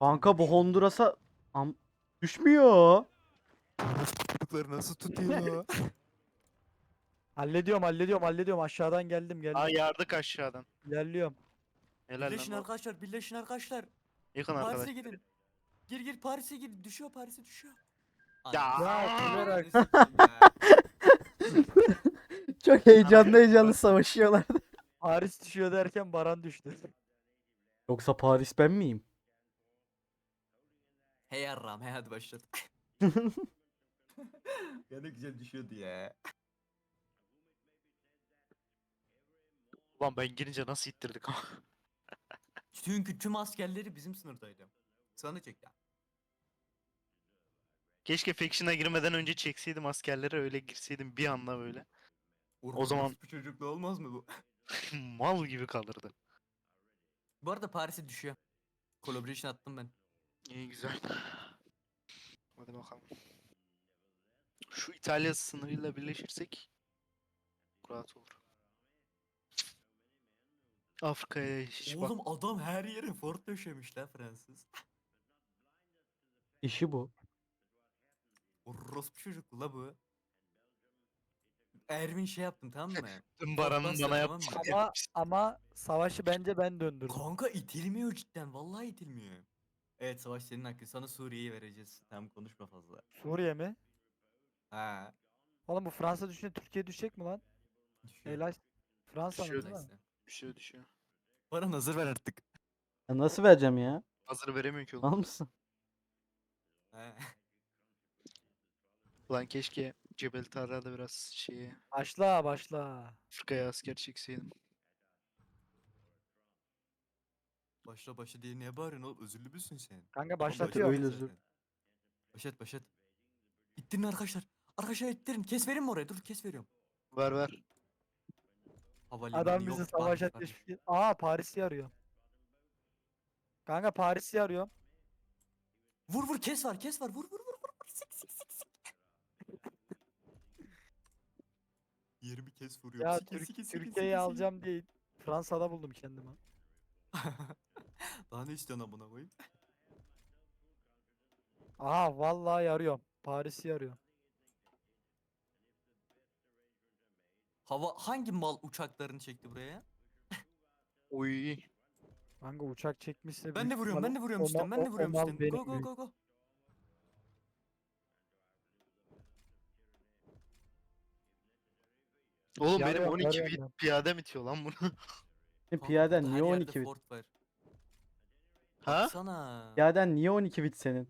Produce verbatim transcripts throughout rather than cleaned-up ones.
Kanka bu Honduras'a Am- düşmüyor. Çocukları nasıl tutuyor? Hallediyorum hallediyorum hallediyorum aşağıdan geldim geldim. Aa yardık aşağıdan. İlerliyorum. Helal Birleşin lan o. arkadaşlar, birleşin arkadaşlar. Yakın Paris'e arkadaş. gidin. Gir gir Paris'e gir. Düşüyor Paris'e düşüyor. Ya. Ya kırarak. Çok heyecanlı heyecanlı savaşıyorlar. Paris düşüyor derken Baran düştü. Yoksa Paris ben miyim? Hey yarram, hey hadi başlat. Ya ne güzel düşüyordu ya. Ulan ben girince nasıl ittirdik ama. Çünkü tüm askerleri bizim sınırdaydı. Sana çek ya. Keşke Faction'a girmeden önce çekseydim askerlere, öyle girseydim bir anda böyle. O zaman- Bu çocuklu olmaz mı bu? Mal gibi kalırdı. Bu arada Paris'e düşüyor. Collaboration attım ben. İyi güzel. Hadi bakalım. Şu İtalya sınırıyla birleşirsek rahat olur. Afrika'ya hiç bak. Oğlum adam her yere fort döşemiş lan Fransız. İşi bu. Orospu çocuklu la bu. Ervin şey yaptım tamam mı? Tüm Baran'ın bastı, bana tamam yaptı. mı? Ama ama savaşı bence ben döndürdüm. Kanka itilmiyor cidden. Vallahi itilmiyor. Evet savaş senin hakkın. Sana Suriye'yi vereceğiz. Tamam konuşma fazla. Suriye mi? Ha. Oğlum bu Fransa düşünce Türkiye düşecek mi lan? Düşüyor. Helal. Fransa'nın Düşüyor değil mi? Neyse. Düşüyor düşüyor. Bana hazır ver artık. Ya nasıl vereceğim ya? Hazır veremiyor ki oğlum. Al mısın? Ha. Ulan keşke Cebel Tarra'da biraz şeye, Başla başla. Afrika'ya asker çekseydim. Başla başla diye niye bağırıyorsun oğlum? Özürlü müsün sen? Kanka Oğlum başlatıyorum. öyle başlat özür. zaten. Başlat başlat. İttirin arkadaşlar. Arkadaşlar ittirin. Kes verin mi oraya? Dur kes veriyorum. Ver ver. Havalimanı Adam yok. bizi savaşa Paris, Paris. teşvik et- Aa Paris'i arıyor. Kanka Paris'i arıyor. Vur vur kes var kes var. Vur vur vur vur. vur. Sik sik sik sik. Yerimi kes vuruyorum. Ya Sik, Türk- sik, sik, sik, Türkiye'yi sik, sik. alacağım diye Fransa'da buldum kendimi. Daha ne istiyorsun amına koyayım? Aha vallahi arıyorum. Paris'i arıyor. Hava hangi mal uçaklarını çekti buraya? Oy. Kanka uçak çekmişse Ben de büyük vuruyorum, ben ihtimalle de vuruyorum o ma- üstten, ben de o- o vuruyorum mal üstten. benim Go go büyük. go go. Oğlum benim Yarıyorum, on iki yarıyorum bit ben. piyade bitiyor lan bunu. E, Kanka Piyaden burada niye her on yerde iki bit? fort var. Ha? Baksana. Piyaden niye on iki bit senin?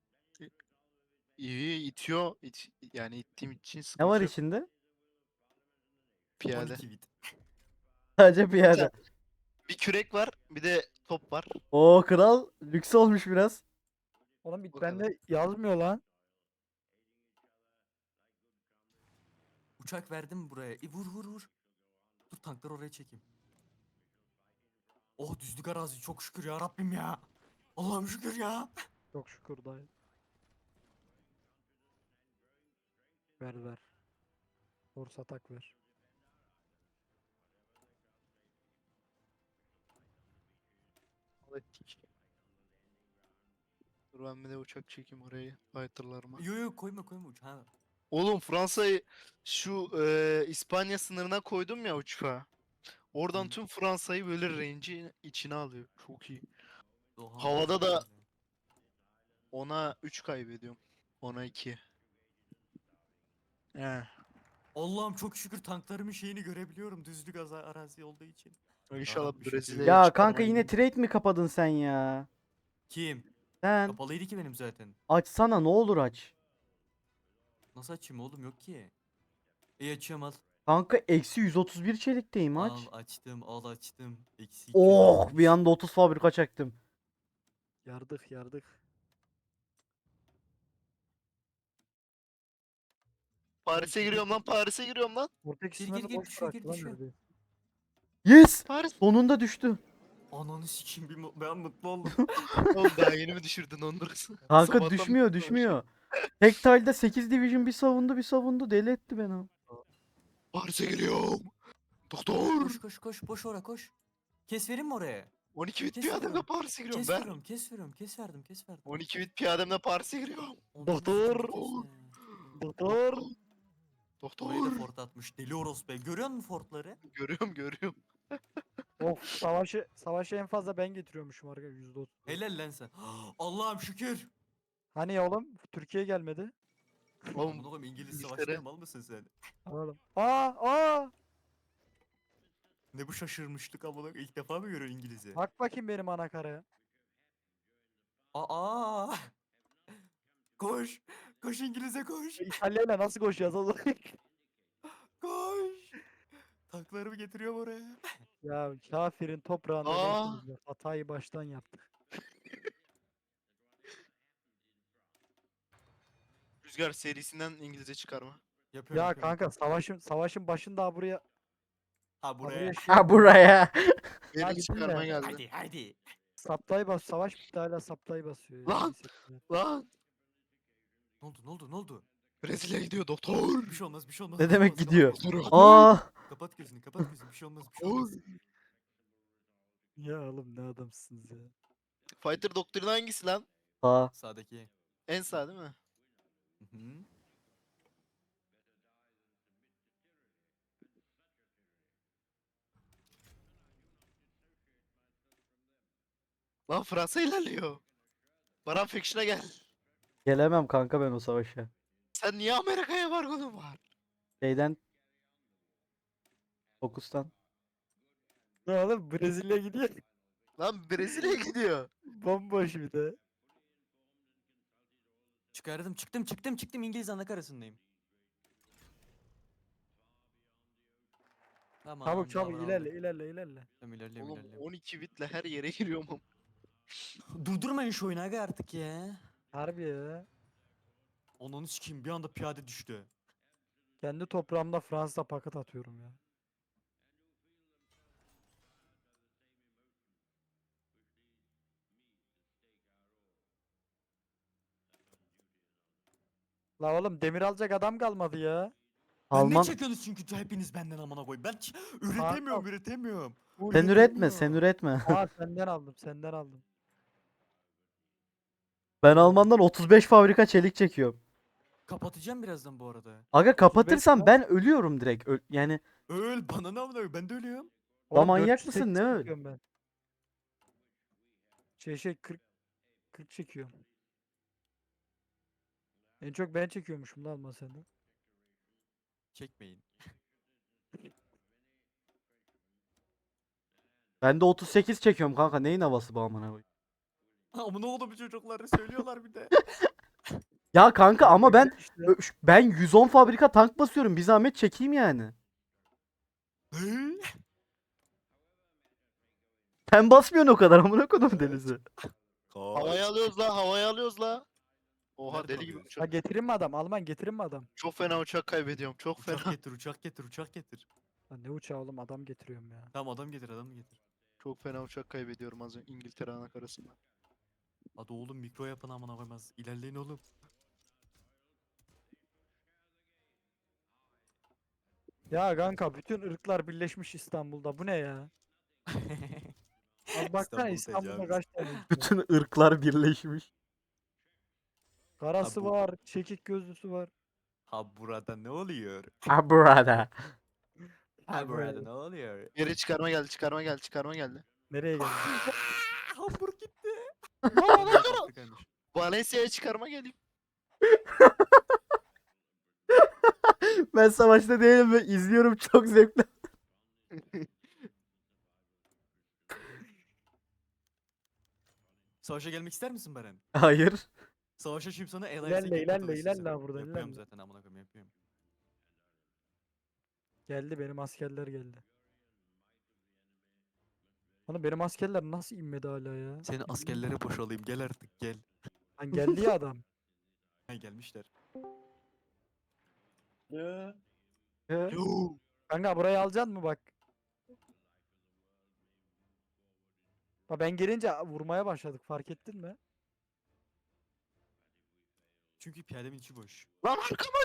İyi itiyor. İt, yani ittiğim için Ne sıkıntı var yok. içinde? Piyade. on iki bit. Sadece piyade. Bir kürek var, bir de top var. Oo kral lüks olmuş biraz. Oğlum bit O kadar. bende yazmıyor lan. Uçak verdim buraya. E, vur vur vur. Dur tankları oraya çekeyim. Oh düzlük arazi çok şükür ya Rabbim ya. Allah'ım şükür ya. Çok şükür dayı. Ver ver. Force atak ver. Hallettik. Dur ben bir de uçak çekeyim oraya fighterlarıma. Yo yo koyma koyma uçağı. Oğlum Fransa'yı şu e, İspanya sınırına koydum ya uçağı. Oradan Hı. tüm Fransa'yı böyle range'in içine alıyor. Çok iyi. Doğa Havada da- güzel. Ona üç kaybediyorum. Ona iki. He. Allah'ım çok şükür tanklarımın şeyini görebiliyorum düzlük aza- arazi olduğu için. İnşallah Yarabbim şükür. Brezilya'ya Ya çıkarmaya kanka yine gidiyorum. trade mi kapadın sen ya? Kim? Sen Kapalıydı ki benim zaten. açsana ne olur aç. Nasıl açayım oğlum yok ki. İyi açıyorum al. Kanka eksi yüz otuz bir çelikteyim aç. Al açtım al açtım. Eksi Oh iki yüz bir anda otuz fabrika çaktım. Yardık yardık. Paris'e giriyorum lan, Paris'e giriyorum lan. Portekiz Gir, gir, sınırı gir, boş düşüyor, bıraktı gir, lan düşüyor. neredeyse. Yes! Paris. Sonunda düştü. Ananı sikeyim bir mu- ben mutlu oldum. Oğlum daha yeni mi düşürdün Honduras'ı? Kanka Sabahtan düşmüyor beri düşmüyor. Tek tile'da sekiz division bir savundu bir savundu deli etti beni. o. Paris'e giriyorum. Doktor. koş koş koş boş ora koş. Kes verin mi oraya? on iki bit Kes piyademle veriyorum. Paris'e giriyorum Kes ben. veriyorum, kes veriyorum, kes verdim, kes verdim. on iki bit piyademle Paris'e giriyorum. Ondan Doktor. sonra kes ya. Doktor. Orayı da Doktor. fort atmış. Deli orospu. Görüyor musun fortları? Görüyorum görüyorum. Of savaşı savaşı en fazla ben getiriyormuşum arkadaşlar yüzde otuz. Helal lan sen. Allah'ım şükür. Hani ya oğlum Türkiye gelmedi. Amına Oğlum koyayım İngiliz İngiltere- savaşmaya mal mısın sen? Alalım. Aa aa. Ne bu şaşırmışlık amına koyayım. İlk defa mı görüyorsun İngiliz'i? Bak bakayım benim ana karaya. Aa! Koş! Koş İngiliz'e koş! İtalya'yla nasıl koşacağız oğlum? Koş! Tanklarımı getiriyorum oraya. Ya kafirin toprağında Aa. değilsiniz ya. Hatayı baştan yaptık. Rüzgar serisinden İngilizce çıkarma. Yapıyorum, Ya yapıyorum. kanka savaşın savaşın başında buraya Ha ha, buraya. buraya şey Ha buraya. Benim gidin çıkarma de. geldi. Hadi hadi. saptayı bas savaş bitti hala saptayı basıyor ya. Lan! Neyse. Lan! Ne oldu ne oldu ne oldu? Brezilya gidiyor doktor. Bir şey olmaz bir şey olmaz. Ne bir şey demek olmaz, kapat gidiyor? gözünü, Doktor. Aa. Kapat gözünü kapat gözünü bir şey olmaz bir şey Oy. olmaz. Ya oğlum ne adamsınız ya. Fighter doktrini hangisi lan? Aa. Sağdaki. En sağ değil mi? Hı hı. Lan Fransa ilerliyor. Baran Faction'a gel. Gelemem kanka ben o savaşa. Sen niye Amerika'ya vargonun var? Şeyden Fokustan. Ne oğlum Brezilya gidiyor. Lan Brezilya gidiyor. Bomboş bir de. Çıkardım çıktım çıktım çıktım İngiliz anakarasındayım. Tamam. Çabuk çabuk tamam, ilerle aldım. ilerle ilerle. Tamam ilerliyorum Oğlum ilerliyorum. on iki bitle her yere giriyorum. Durdurmayın şu oyunu aga artık ya. Harbi ya. Ananı sikeyim bir anda piyade düştü. Kendi toprağımda Fransa paket atıyorum ya. La oğlum demir alacak adam kalmadı ya. Ben ne Alman. çekiyorsunuz çünkü hepiniz benden amına koyayım. Ben ç- üretemiyorum üretemiyorum. Full Sen demir- üretme, sen üretme. Aa senden aldım senden aldım. Ben Alman'dan otuz beş fabrika çelik çekiyorum. Kapatacağım birazdan bu arada. Aga kapatırsam lan. ben ölüyorum direkt. Ö- yani Öl bana ne amına koyayım ben de ölüyorum. Oğlum manyak dört yüz mısın, ne sekiz öyle? çekiyorum ben. Şey şey kırk kırk çekiyorum. En çok ben çekiyormuşum lan Alman senden. Çekmeyin. ben de otuz sekiz çekiyorum kanka. Neyin havası bu amına koyayım? Ama ne oldu bu çocukları söylüyorlar bir de. Ya kanka ama ben İşte. ö- ş- ben yüz on fabrika tank basıyorum. Bir zahmet çekeyim yani. Ne? Sen basmıyorsun o kadar amına koydum denizi. Havaya alıyoruz la, havaya alıyoruz la. Oha Nerede deli gibi alıyoruz? Ha uçak. getirin mi adam? Alman getirin mi adam? Çok fena uçak kaybediyorum. Çok Uçak fena. getir uçak getir uçak getir. Lan ne uçağı oğlum adam getiriyorum ya. Tamam adam getir adam getir. Çok fena uçak kaybediyorum az önce İngiltere anakarasında. Hadi oğlum mikro yapın amına koymaz. İlerleyin oğlum. Ya kanka bütün ırklar birleşmiş İstanbul'da. Bu ne ya? Az baksana İstanbul İstanbul'da tecavüz. kaç tane ülke var? Bütün ırklar birleşmiş. Karası bu- var, çekik gözlüsü var. Ha burada ne oluyor? Ha burada. Ha burada böyle. ne oluyor? Geri çıkarma geldi, çıkarma geldi, çıkarma geldi. Nereye geldi? Hamburg gitti. Lan Valencia'ya çıkarma geleyim. Ben savaşta değilim ve izliyorum çok zevkli. Savaşa gelmek ister misin Beren? Hayır. Savaşa şimdi sana el İlerle, ilerle, ilerle ha buradan, Yapıyorum ilerle. zaten amına koyayım yapıyorum. Geldi benim askerler geldi. Oğlum benim askerler nasıl inmedi hala ya? Seni askerlere boşalayım gel artık gel. Lan geldi ya adam. Ha gelmişler. Ee, Yoo. Kanka burayı alacaksın mı bak? Bak ben gelince vurmaya başladık fark ettin mi? Çünkü piyademin içi boş. Lan arkama.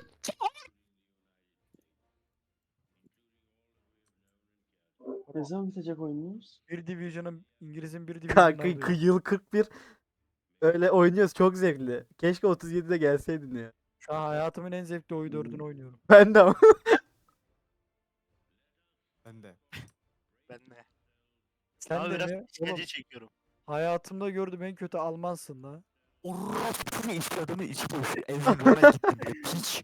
Ne zaman bitecek oyunumuz? Bir Division'ın İngiliz'in bir Division'ını Kanka alıyor. kı- yıl kırk bir öyle oynuyoruz, çok zevkli. Keşke otuz yedide gelseydin ya. Şu an hayatımın en zevkli oyu dördünü oynuyorum. Ben de ama. Ben de. Ben de. Sen Ama de biraz mi? işkence Oğlum çekiyorum. hayatımda gördüğüm en kötü Almansın la. Orospu işte adamı içi boş. Evden Lora gittim bile piç.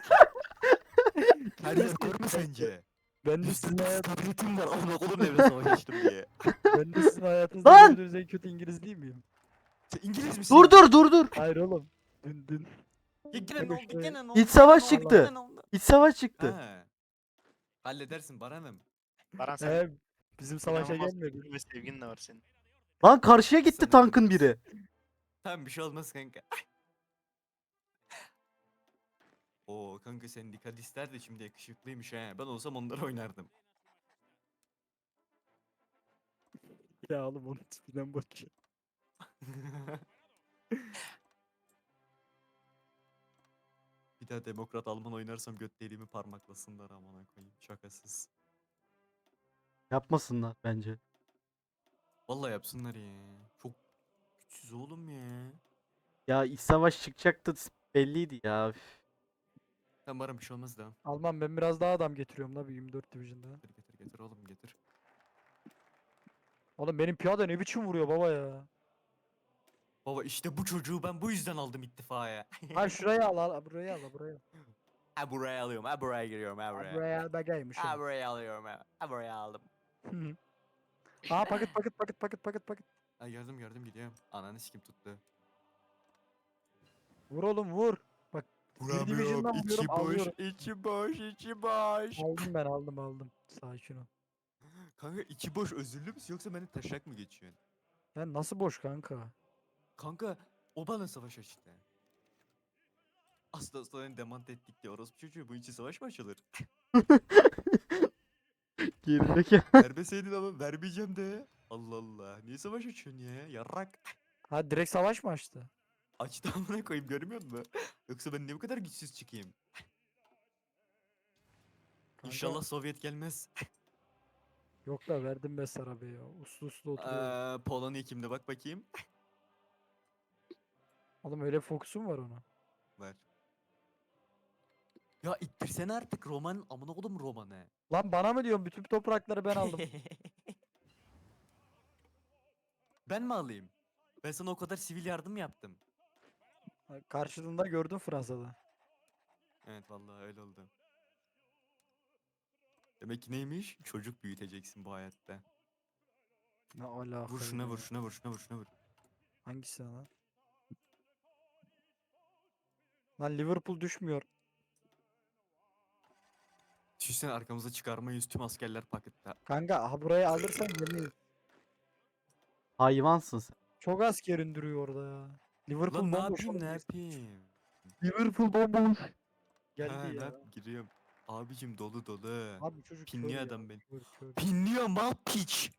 Her yer kör mü sence? Ben de sizin, Üstünde hayat, stabilitim var. Amına kolum evre savaş açtım diye. ben de sizin hayatınızda Lan! gördüğünüz en kötü İngiliz değil miyim? Sen İngiliz misin? Dur dur dur dur. Hayır oğlum. Dün dün. Ya gene Kanka ne oldu? şuraya- Gene ne oldu? İç savaş gene ne oldu, çıktı. gene ne oldu? İç savaş çıktı. Ha. Halledersin Baran'ım. Baran sen Ee, bizim savaşa inanılmaz gelmedi. sevgin ve sevgin de var senin. Lan karşıya gitti Sen tankın öldürürsün. biri. Tamam bir şey olmaz kanka. Oo kanka sen dikkat ister de şimdi yakışıklıymış he. Ben olsam onları oynardım. Ya oğlum onun tipinden bak. Bir daha Demokrat Alman oynarsam göt deliğimi parmaklasınlar amına koyayım. Şakasız. Yapmasınlar bence. Vallahi yapsınlar ya. Çok güçsüz oğlum ya. Ya iç savaş çıkacaktı belliydi ya. Üf. Tamam Baran bir şey olmaz da. Alman ben biraz daha adam getiriyorum la bir yirmi dört Division'da. Getir getir getir oğlum getir. Oğlum benim piyade ne biçim vuruyor baba ya. Baba işte bu çocuğu ben bu yüzden aldım ittifaya. Ha şuraya al al buraya al buraya. Ha buraya alıyorum ha buraya giriyorum ha Ha, buraya. buraya al bagaymış. Ha buraya alıyorum ha. Ha buraya aldım. Ha paket paket paket paket paket paket. Ha gördüm gördüm gidiyorum. Ananı sikim tuttu. Vur oğlum vur. Bak bir Division'dan vuruyorum alıyorum. içi boş, içi boş. Aldım ben aldım aldım. Sakin ol. Kanka içi boş özürlü müsün yoksa beni taşak mı geçiyorsun? Ya nasıl boş kanka? Kanka o bana savaş açtı. Asla sonra demant ettik diye orospu çocuğu bu içi savaş mı açılır? Gerideki. Vermeseydin ama vermeyeceğim de. Allah Allah. Niye savaş açıyorsun ya? Yarrak. Ha direkt savaş mı açtı? Açtı amına koyayım görmüyor musun? Yoksa ben niye bu kadar güçsüz çıkayım? Kanka, İnşallah Sovyet gelmez. Yok da verdim ben sana be ya. Uslu uslu oturuyor. Eee Polonya kimde bak bakayım. Oğlum öyle fokusum var ona. Var. Ya ittirsene artık Roman amına kodum Roman'ı. Lan bana mı diyorsun? Bütün toprakları ben aldım. Ben mi alayım? Ben sana o kadar sivil yardım yaptım. Ha, karşılığında gördüm Fransa'da. Evet vallahi öyle oldu. Demek ki neymiş? Çocuk büyüteceksin bu hayatta. Ne alaka Vur şuna ya? vur şuna vur şuna vur şuna vur. Hangisi lan? Lan Liverpool düşmüyor. Düşünsene arkamıza çıkarmayız tüm askerler pakette. Kanka ha burayı alırsan yemeyiz. Hayvansın sen. Çok asker indiriyor orada ya. Liverpool Lan ne bomboş yapayım ne oğlum. yapayım? Liverpool bomboş. Ha, Geldi ne ya. yap- giriyorum. Abicim dolu dolu. Abi çocuk kör Pinliyor ya, adam beni. kör, kör. Pinliyor mal piç.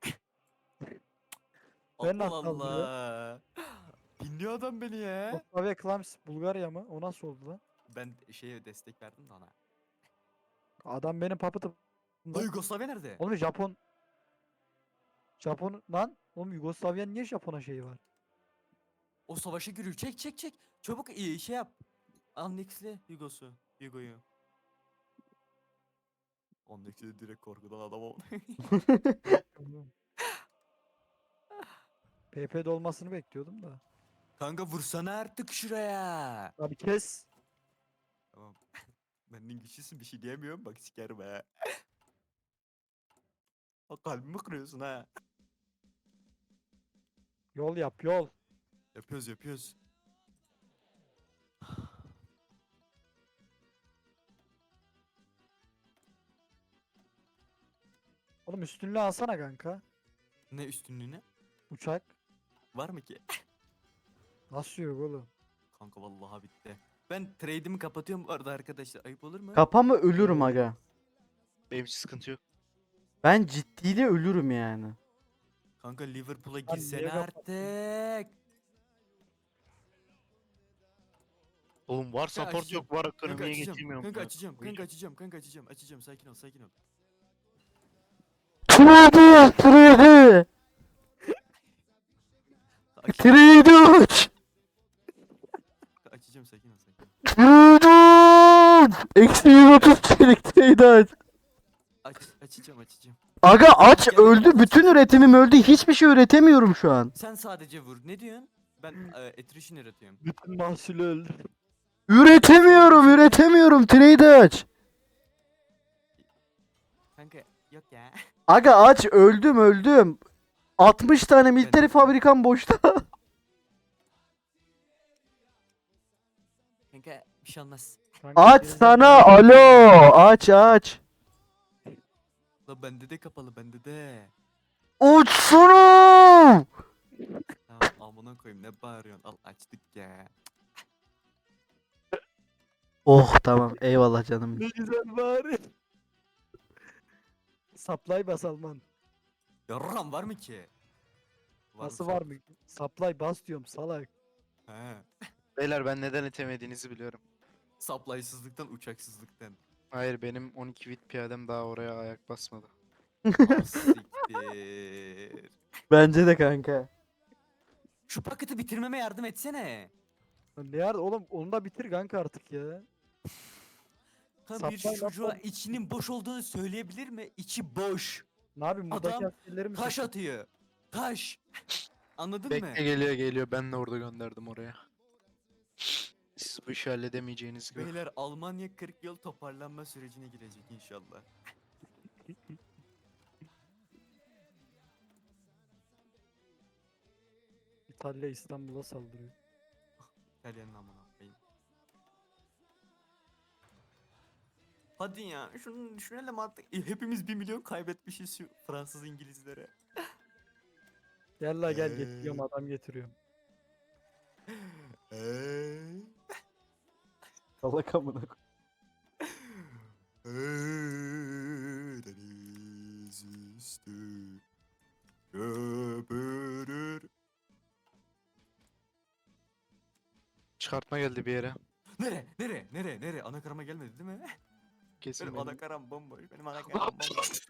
Ben Allah nasıl aldım ya? Allah. Pinliyor adam beni ya. Yugoslavya Klams Bulgarya mı? O nasıl oldu lan? Ben şeye destek verdim de ona. Adam benim papıtım. Lan Yugoslavya nerede? Oğlum Japon. Japon lan. Oğlum Yugoslavya'nın niye Japon'a şeyi var? O savaşa giriyor. Çek çek çek. Çabuk iyi şey yap. Annexle Yugos'u. Yugo'yu. Annexle direkt korkudan adam oldu. P P'de olmasını bekliyordum da. Kanka vursana artık şuraya. Abi kes. Tamam. Benden güçlüsün bir şey diyemiyorum bak sikerim ha. O kalbimi kırıyorsun ha. Yol yap yol. Yapıyoruz yapıyoruz. Oğlum üstünlüğü alsana kanka. Ne üstünlüğüne? Uçak. Var mı ki? Nasıl yok oğlum? Kanka vallahi bitti. Ben trade'imi kapatıyorum bu arada arkadaşlar. Ayıp olur mu? Kapa mı ölürüm aga. Benim için sıkıntı yok. Ben ciddiyle ölürüm yani. Kanka Liverpool'a niye girsene kapattın? artık. Oğlum var support açacağım. yok var Kanka ekonomiye açacağım. getirmiyorum. Kanka ya. açacağım. Buyur. Kanka açacağım. Kanka açacağım. Açacağım. Sakin ol. Sakin ol. Trade. Aç- Trade aç. açacağım sakin ol sakin ol. Trade aç. Eksi yüz otuz çelik trade aç. Aç, açacağım açacağım. Aga aç Gel, gel, öldü. aç. Bütün üretimim öldü. Hiçbir şey üretemiyorum şu an. Sen sadece vur. Ne diyorsun? Ben e, attrition üretiyorum. Bütün mahsulü öldü. Üretemiyorum, üretemiyorum. Trade aç. Kanka yok ya. Aga aç öldüm, öldüm. altmış tane military fabrikam boşta. Kanka bir şey olmaz. Kanka, Aç gerizekalı- sana alo. Aç aç. La bende de kapalı bende de. Uçsana. Tamam amına koyayım ne bağırıyorsun? Al açtık ya. Oh tamam eyvallah canım. Ne güzel bari. Supply bas Alman. Yarram var mı ki? Var Nasıl mı? var mı? Supply bas diyorum salak. He. Beyler ben neden itemediğinizi biliyorum. Supply'sızlıktan uçaksızlıktan. Hayır benim on iki bit piyadem daha oraya ayak basmadı. Ah, siktir. Bence de kanka. Şu paketi bitirmeme yardım etsene. Lan ne yar oğlum onu da bitir kanka artık ya. Kan bir Supply çocuğa nasıl- içinin boş olduğunu söyleyebilir mi? İçi boş. Ne yapayım buradaki Adam askerleri mi Taş seçeyim? atıyor. Taş. Anladın Bekle mı? geliyor geliyor ben de orada gönderdim oraya. Siz bu işi halledemeyeceğiniz gibi. Beyler Almanya kırk yıl toparlanma sürecine girecek inşallah. İtalya İstanbul'a saldırıyor. İtalyanın amına koyayım. Hadi ya şunu düşünelim artık. E, hepimiz bir milyon kaybetmişiz şu Fransız İngilizlere. Gel la gel getiriyorum Eee. adam getiriyorum. Eee. Salak amına koy. Deniz üstü köpürür. Çıkartma geldi bir yere. Nere? Nere? Nere? Nere? Anakarama gelmedi değil mi? Kesin Benim benim. anakaram bomboş. Benim anakaram bomboş.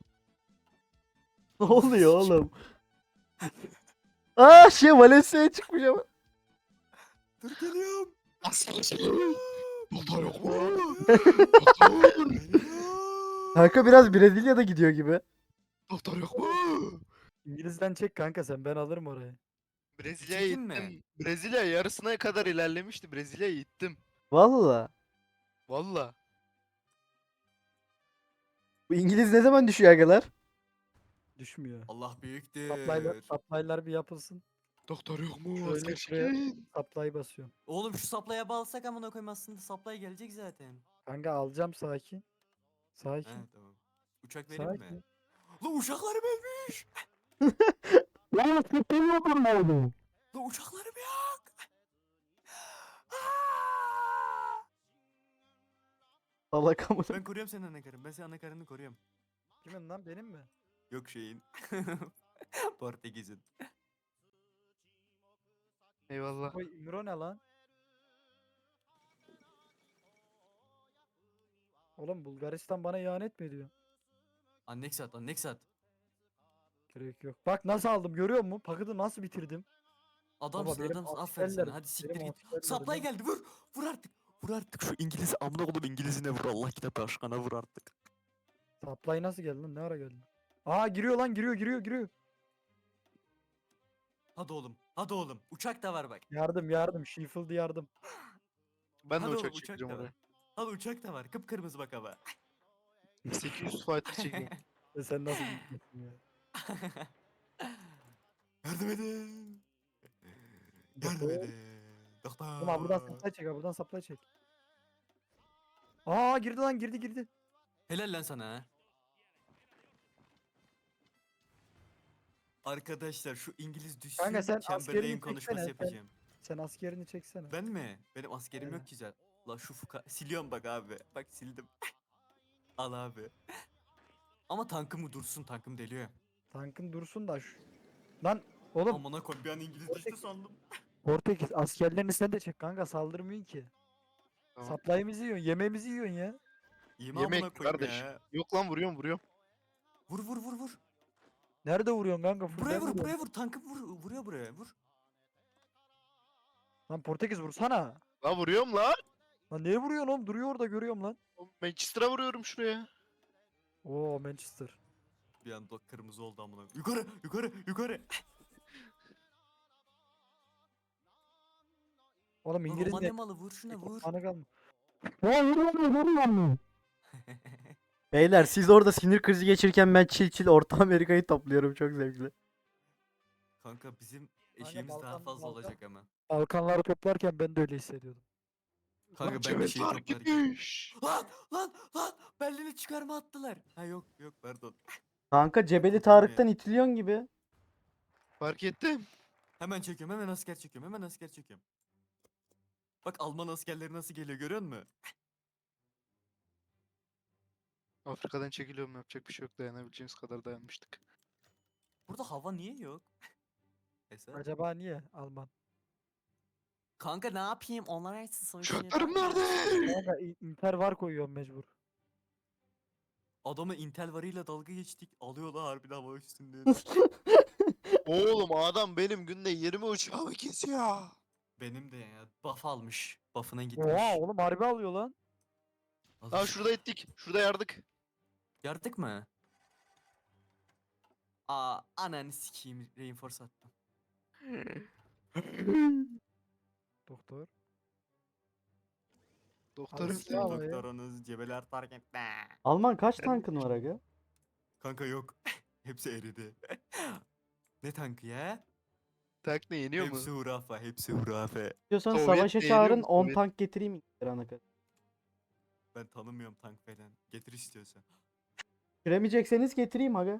Ne oluyor oğlum? Aa şey Valencia'ya çıkmış ama. Dur geliyorum. Doktor yok mu? Kanka biraz Brezilya'da gidiyor gibi. Doktor yok mu? İngiliz'den çek kanka sen ben alırım orayı. Brezilya'ya Çekin mi? gittim. Brezilya yarısına kadar ilerlemişti. Brezilya'ya gittim. Valla. Valla. Bu İngiliz ne zaman düşüyor agalar? Düşmüyor. Allah büyüktür. Supply'lar, supply'lar bir yapılsın. Doktor yok mu? Şöyle Asker şuraya çekin. supply basıyorum. Oğlum şu saplaya bağlasak amına koyayım aslında supply gelecek zaten. Kanka alacağım sakin. He Sakin. tamam. Uçak vereyim mi? Sakin. La uçaklarım ölmüş. Ya sıkıntı yok mu? La uçaklarım yok. Aa! Salak amına. Ben koruyorum senin anakarını. Ben senin anakarını koruyorum. Kimin lan benim mi? Yok şeyin. Portekiz'in. Eyvallah. Oy İmro ne lan? Oğlum Bulgaristan bana ihanet mi ediyor? Anneksat, Anneksat. Gerek yok. Bak nasıl aldım görüyor musun? Paketi nasıl bitirdim? Adamsın, benim adamsın. Aferin askerler- sana. Hadi siktir benim git. askerler Supply ne- geldi. Vur. Vur artık. Vur artık şu İngiliz amına oğlum İngilizine vur. Allah kitap aşkına vur artık. Supply nasıl geldi lan? Ne ara geldi? Aa giriyor lan giriyor giriyor giriyor. Hadi oğlum. Hadi oğlum. Uçak da var bak. Yardım yardım. Sheffield yardım. Ben de Hadi oğlum, uçak uçak çekeceğim da var. oraya. Hadi uçak da var. Kıpkırmızı bak hava. sekiz yüz fighter çekeyim. E sen nasıl gittin ya? Yardım edin. Yardım Doktor. edin. Doktor. Oğlum ha buradan supply çek ha buradan supply çek. Aa girdi lan girdi girdi. Helal lan sana ha. Arkadaşlar şu İngiliz düşsün. Kanka sen Chamberlain askerini konuşması çeksene, sen- yapacağım. Sen askerini çeksene. Ben mi? Benim askerim Aynen. yok ki zaten. La şu fuka... Siliyorum bak abi. Bak sildim. Al abi. Ama tankım dursun. Tankım deliyor. Tankın dursun da şu. Lan oğlum Amına koy bir an İngiliz düştü Portekiz- sandım. Portekiz askerlerini sen de çek kanka saldırmıyorsun ki. Tamam. Supply'ımızı yiyorsun yemeğimizi yiyorsun ya. Yeme Yemek amına koyayım kardeş. ya. Yok lan vuruyorum vuruyorum. Vur vur vur vur. Nerede vuruyorsun kanka? Full Buraya ben vur, vuruyorum. buraya vur. Tankı vur, vuruyor buraya. Vur. Lan Portekiz vursana. La vuruyorum lan. Lan niye vuruyorsun oğlum? Duruyor orada görüyorum lan. Manchester'a vuruyorum şuraya. Oo Manchester. Bir anda kırmızı oldu amına. Yukarı, yukarı, yukarı. Oğlum Lan İngiliz Romanya ne? malı vur şuna vur. Ana kalma. Ya vuruyorum vuruyorum. Beyler siz orada sinir krizi geçirirken ben çil çil Orta Amerika'yı topluyorum çok zevkli. Kanka bizim eşeğimiz daha Balkan- fazla Balkan- olacak ama. Balkanları toplarken ben de öyle hissediyordum. Kanka ben Cebel bir şey fark toplarken. etmiş. Lan lan lan Berlin'i çıkarma attılar. Ha yok yok pardon. Kanka Cebeli Korktum ya. Tarık'tan itiliyorsun gibi. Fark ettim. Hemen çekiyorum hemen asker çekiyorum hemen asker çekiyorum. Bak Alman askerleri nasıl geliyor görüyor musun? Afrika'dan çekiliyorum, yapacak bir şey yok, dayanabileceğimiz kadar dayanmıştık. Burada hava niye yok? Esat. Acaba niye Alman? Kanka ne yapayım onlar hepsi savaşıyor. Uçaklarım nerede? Kanka İ- Inter var koyuyorum mecbur. Adamı Intel varıyla dalga geçtik. Alıyorlar harbiden hava üstünde. Oğlum adam benim günde yirmi uçağımı kesiyor. Benim de ya buff almış. Buff'ına gitmiş. Oha oğlum harbi alıyor lan. Alır. Aa şurada ettik. Şurada yardık. Yardık mı? Aa ananı sikeyim reinforce attım. Doktor. Doktor Abi, öldü. ya. Bravo ya. Doktorunuz cebeler targette. Alman kaç tankın var aga? Kanka yok. Hepsi eridi. Ne tankı ya? Tak ne yeniyor mu? Hepsi hurafe, hepsi hurafe. Diyorsan Sovyet savaşa beğeniyor çağırın musun? on Sovyet. tank getireyim İngiltere'ne kadar. Ben tanımıyorum tank falan. Getir istiyorsan. Giremeyecekseniz getireyim aga.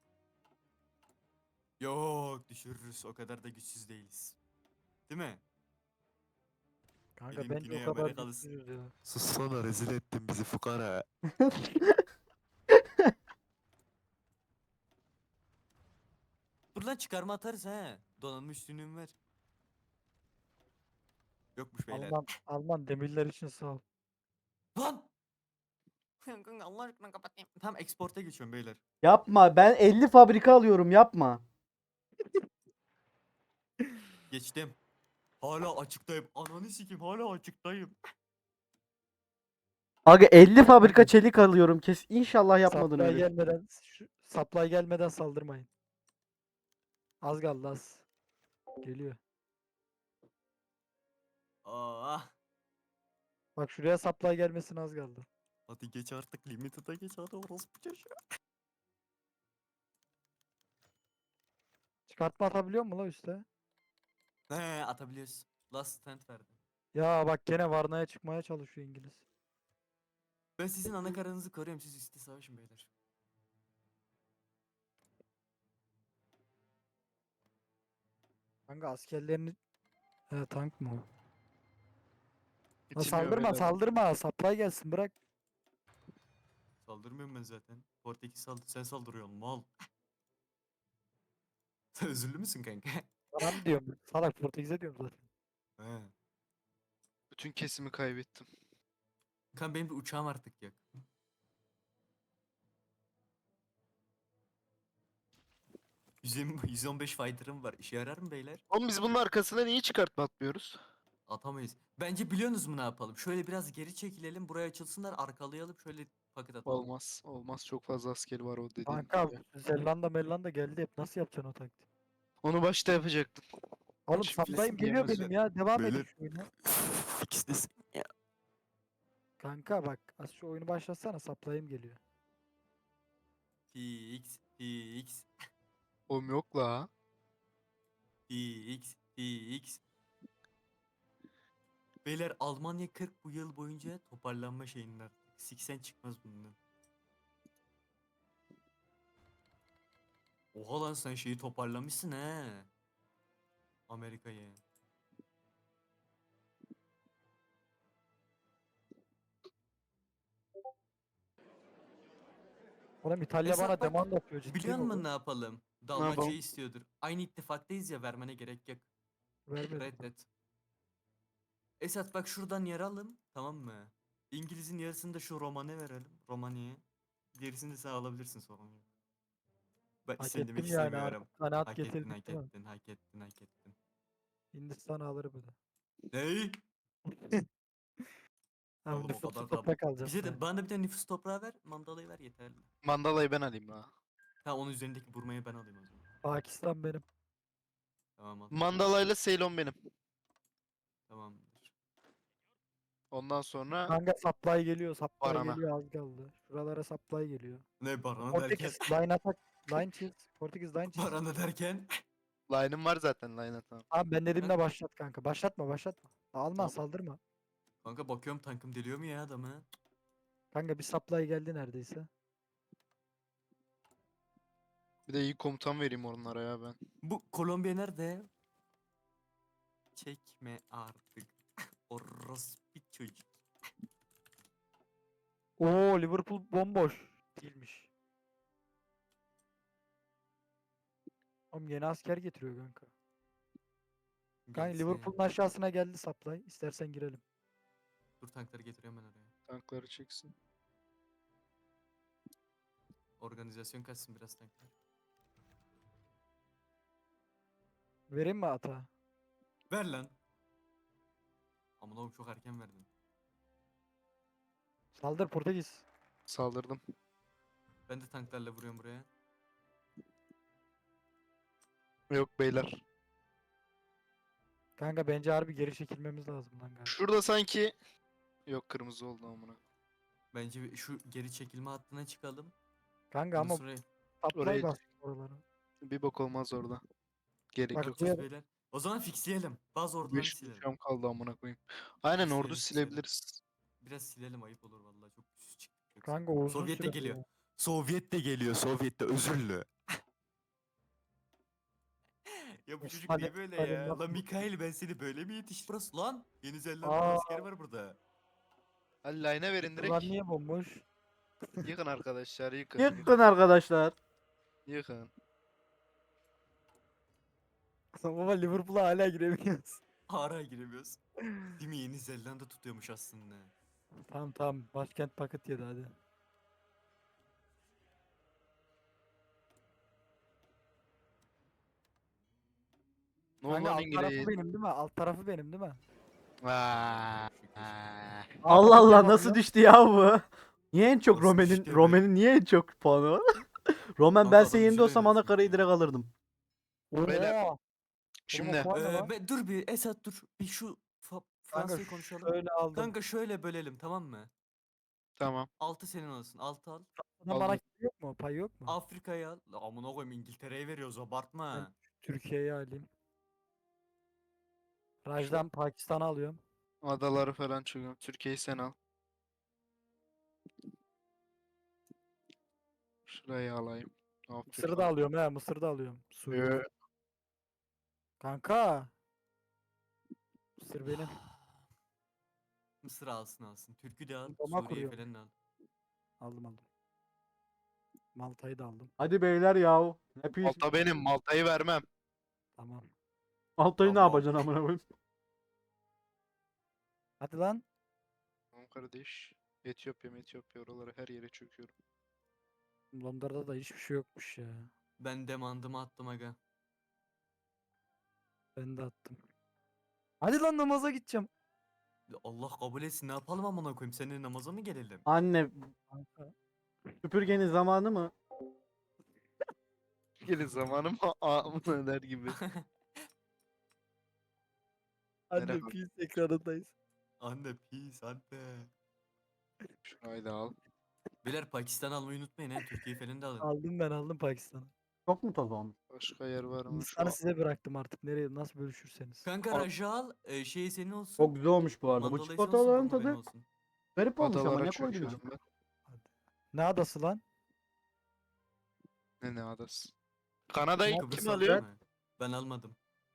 Yok düşürürüz. O kadar da güçsüz değiliz. Değil mi? Kanka Benim bence Güney o kadar Amerikalısın. güçsüzüz ya. Sussana rezil ettin bizi fukara. Dur lan çıkarma atarız he. Donanmış üstünlüğüm ver. Yokmuş beyler. Alman, Alman demirler için sağ ol. Lan! Kanka Allah aşkına kapatayım. Tamam export'a geçiyorum beyler. Yapma ben elli fabrika alıyorum yapma. Geçtim. Hala açıktayım. Ananı sikeyim hala açıktayım. Aga elli fabrika çelik alıyorum kes. İnşallah yapmadın Supply öyle. gelmeden, şu, supply gelmeden saldırmayın. Az kaldı az. Geliyor. Aa, Bak şuraya supply gelmesine az kaldı. hadi geç artık limited'a geç hadi orospu çocuğu. Çıkartma atabiliyor mu la üste? He atabiliyoruz. Last stand verdim. Ya bak gene Varna'ya çıkmaya çalışıyor İngiliz. Ben sizin ana karanızı koruyorum siz üstte savaşın beyler. Kanka askerlerini... He tank mı o? Lan Bitirmiyor saldırma beyler. saldırma. Supply gelsin bırak. Saldırmıyorum ben zaten. Portekiz saldır sen saldırıyorsun mal. Sen özürlü müsün kanka? Sana mı diyorum? Salak Portekiz'e diyorum zaten. He. Bütün kesimi kaybettim. Kan benim bir uçağım artık yok. yüz yirmi yüz on beş fighter'ım var. İşe yarar mı beyler? Oğlum biz bunun arkasına niye çıkartma atmıyoruz? Atamayız. Bence biliyorsunuz mu ne yapalım? Şöyle biraz geri çekilelim. Buraya açılsınlar. Arkalayalım. Şöyle paket atalım. Olmaz. Olmaz. Çok fazla askeri var o dediğin Kanka gibi. Zelanda Mellanda geldi hep. Nasıl yapacaksın o taktiği? Onu başta yapacaktım. Oğlum Şimdi supply'ım kesin geliyor yiyemez benim ya. ya. Devam edin Böyle- şu oyuna. İkisi de Kanka bak az şu oyunu başlatsana supply'ım geliyor. Px, Px, Oğlum yok la. Px, Px. Beyler Almanya kırk bu yıl boyunca toparlanma şeyinde artık. seksen çıkmaz bundan. Oha lan sen şeyi toparlamışsın he. Amerika'yı. Oğlum İtalya Esat bana bak, demand yapıyor ciddi Biliyor mi musun bu? ne yapalım? yapalım? Dalmaçya istiyordur. Aynı ittifaktayız ya vermene gerek yok. Vermedim. Reddet. Esat bak şuradan yer alın tamam mı? İngiliz'in yarısını da şu Roman'a verelim. Romanya'ya. Gerisini de sen alabilirsin sorun yok. Ben Hak seni ettim demek yani istemiyorum. artık kanaat Hak ettin, getirdik hak değil mi? ettin, hak ettin, hak ettin. Hindistan alır bu da. Ney? Tamam Oğlum o nüfuslu kadar da... toprak alacağım Bize de sadece. bana bir tane nüfus toprağı ver, mandalayı ver yeterli. Mandalayı ben alayım la. Tamam onun üzerindeki burmayı ben alayım o zaman. Pakistan benim. Tamam al. Mandalayla Ceylon benim. Tamamdır. Ondan sonra Kanka supply geliyor, supply Varana. geliyor az kaldı. Şuralara supply geliyor. Ne barana derken? Portekiz line attack, line cheese. Portekiz line cheese. Barana derken? line'ım var zaten line'a tamam. Tamam ben dediğimde başlat kanka. Başlatma başlatma. Alman Tamam. saldırma. Kanka bakıyorum tankım deliyor mu ya adamı? Kanka bir supply geldi neredeyse. Bir de iyi komutan vereyim onlara ya ben. Bu Kolombiya nerede? Çekme artık. Orospu çocuk. Oo Liverpool bomboş. Değilmiş. Oğlum yeni asker getiriyor kanka. Kanka Gelsin. Liverpool'un aşağısına geldi supply. İstersen girelim. Dur tankları getiriyorum ben oraya. Tankları çeksin. Organizasyon kaçsın biraz tanklar. Vereyim mi ata? Ver lan. Aman oğlum çok erken verdin. Saldır Portekiz. Saldırdım. Ben de tanklarla vuruyorum buraya. Yok beyler. Kanka bence harbi geri çekilmemiz lazım lan galiba. Şurada sanki yok kırmızı oldu amına. Bence bir- şu geri çekilme hattına çıkalım. Kanka Ondan ama sonra supply Oraya- bas oralara. Bir bok olmaz orada. Gerek Bak yok. buraya- bakacağız beyler. O zaman fixleyelim. Bazı orduları beş silelim. uçağım kaldı amına koyayım. Aynen Silelim, ordu silelim. silebiliriz. Biraz silelim ayıp olur vallahi çok küs çıktık. yoksa. Kanka o uzun Sovyet de süre geliyor. ya. Sovyet de geliyor. Sovyet de özürlü. Ya bu çocuk Stalin- niye böyle Stalin ya? laf Lan mı? Mikail ben seni böyle mi yetiştirdim? Burası lan. Yeni Zelanda Aa. askeri var burada. Hadi line'e verin Bunlar direkt. niye bomboş? Yıkın arkadaşlar yıkın. Yıkın. Yıkın arkadaşlar. Yıkın. Ama Liverpool'a hala giremiyoruz. Hala giremiyoruz. Değil mi? Yeni Zelanda tutuyormuş aslında. Tamam tamam başkent paket yedi hadi. Ne oldu Kanka lan alt tarafı İngiliz? benim değil mi? Alt tarafı benim değil mi? Vaa. Şükür. Aa. Allah paket Allah yapalım nasıl ya. düştü ya bu? Niye en çok Nasıl Romen'in düştü be? Romen'in niye en çok puanı var? Romen Kanka ben adam senin yerinde güzel olsam oynadı Anakara'yı çünkü. direkt alırdım. Beyler, Oha! Oğlum Şimdi o puan ne Ee, lan? be- dur bir Esat dur. Bir şu Fa- Kanka Fransa'yı konuşalım. şöyle aldım. Kanka şöyle bölelim tamam mı? tamam. altı senin olsun. altı al. Bana bana aldım. yok mu? Pay yok mu? Afrika'yı al. La amına koyayım İngiltere'ye veriyoruz abartma. Türkiye'yi alayım. Raj'dan Pakistan'ı alıyorum. Adaları falan çıkıyor. Türkiye'yi sen al. Şurayı alayım. Mısır'ı Afrika. da alıyorum he. Mısır'ı da alıyorum. Suriye. Ee, Kanka. Mısır benim. Mısır alsın alsın. Türk'ü de al. Roma Suriye'yi kuruyorum. falan da al. Aldım aldım. Malta'yı da aldım. Hadi beyler yahu. Ne pis. Malta benim. Malta'yı vermem. Tamam. Altayı ne Tamam. yapacaksın amına koyayım? Hadi lan. Tamam kardeş. Etiyopya, Etiyopya oraları her yere çöküyorum. Londra'da da hiçbir şey yokmuş ya. Ben demandımı attım aga. Ben de attım. Hadi lan namaza gideceğim. Allah kabul etsin ne yapalım amına koyayım. Seninle namaza mı gelelim? Anne Kanka. süpürgenin zamanı mı? Gelin zamanım amına der gibi. Anne Merhaba. pis ekranındayız. Anne pis anne. Şurayı da al. Beyler Pakistan almayı unutmayın he. Türkiye'yi falan da alın. Aldım ben aldım Pakistan'ı. Çok mu toz olmuş? Başka yer var mı? Şu Hindistan'ı size bıraktım artık. Nereye nasıl bölüşürseniz. Kanka Al. Raj'ı al. E, şey senin olsun. Çok güzel olmuş bu arada. Bu Mandalayı senin olsun. çikolataların Burma benim tadı olsun. garip olmuş ama adalara ne koydun çöküyorum içine? ben. Ne adası lan? Ne ne adası? Kanada'yı Kıbrıs kim aldın alıyor? mı? Ben almadım.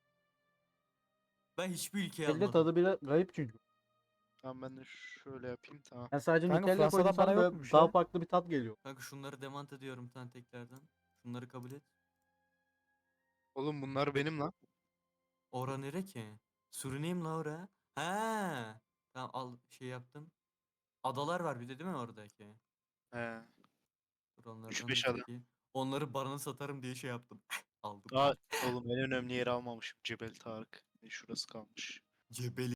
Ben hiçbir ülkeyi Elle almadım. tadı biraz garip çünkü. Tamam ben de şöyle yapayım tamam. Ben sadece Kanka Nutella Fransa'dan koydum sana bana böyle yokmuş daha ya. farklı bir tat geliyor. Kanka şunları demant ediyorum tan tekrardan. Şunları kabul et. Oğlum bunlar benim lan. Ora nere ki? Suriname la ora. Ha. Tamam al şey yaptım. Adalar var bir de değil mi oradaki? He. Dur onlardan Üç da beş ada. çekeyim. Onları barına satarım diye şey yaptım. Aldım. Aa, oğlum en önemli yeri almamışım. Cebel Tarık. Şurası kalmış. Cebeli